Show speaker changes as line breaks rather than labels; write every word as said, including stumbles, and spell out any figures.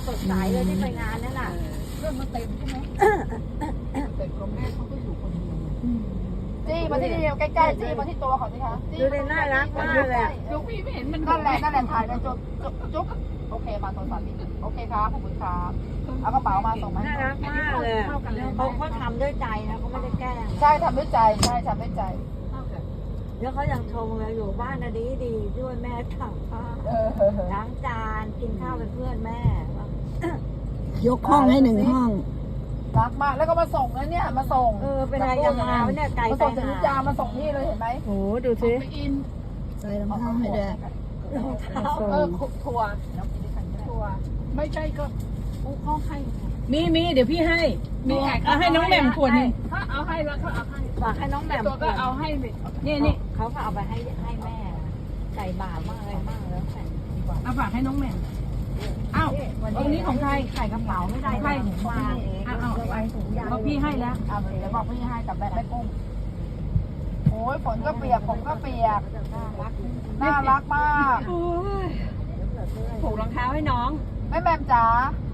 สดใสเลยที่ไปงานนั่นน่ะ
เรื่องมันเต็มใช่ไหมแต่ของแม่เขาก็อยู่คนเดียวจี้มาที่นี่ใกล้ๆจี้มาที่ตัวเขาสิคะ
ดูเลยน่ารักมากเลย
ยกพี่ไม่เห็นมันนั่นแหละนั่นแหละถ่ายเลยจุ๊บจุ๊บโอเคมาโทรศัพท์โอเคครับขอบคุณครับเอากระเป๋ามาส่งมา
น่ารักมากเลยเขาเขาทำด้วยใจนะเขาไม่ได้แกล้ง
ใช่ทำด้วยใจใช่ทำด้วยใจ
แล้วเขายังชมเลยอยู่บ้านนะดีดีด้วยแม่ทำข้าวล้างจานกินข้าวเป็นเพื่อนแม่
ยกห้องให้หนึ่งห้อง
รักมากแล้วก็มาส่งแล้วเนี่ยมาส่ง
เออเป็นอะไรกันมาเนี่ยไก่
มาส่งถึงจามาส่งนี่เลยเห็นไหม
โอ้ดูสิ
ใส่รองเท้าให้ด้วย
เออทัวร์ทัวร์ไม่ใช่ก็อู้ข้อให้
มีมีเดี๋ยวพี่ให้มีเอาให้น้องแหม่มขวดนึง
ถ้าเอาให้แล้วเขาเอาให้
ฝากให้น้องแหม่ม
ตัวก็เอาให้
นี่นี่
เขาก็เอาไปให้ให้แม่ใส่บาตรมากอะไรมากแล้วใส่
เอาฝากให้น้องแหม่มอ้าวตรงนี้ของใคร
ใส่กระเป๋าไม่ได้
ใคร
มา
เอาเอาไปเพราะพี่ให้แล้ว
อ่าเดี๋ยวบอกพี่ให้กับแม่แม่กุ้งโอ้ยฝนก็เปียกผมก็เปียกน่ารักมาก
ถูกรองเท้าให้น้อง
แม่แม่จ๋า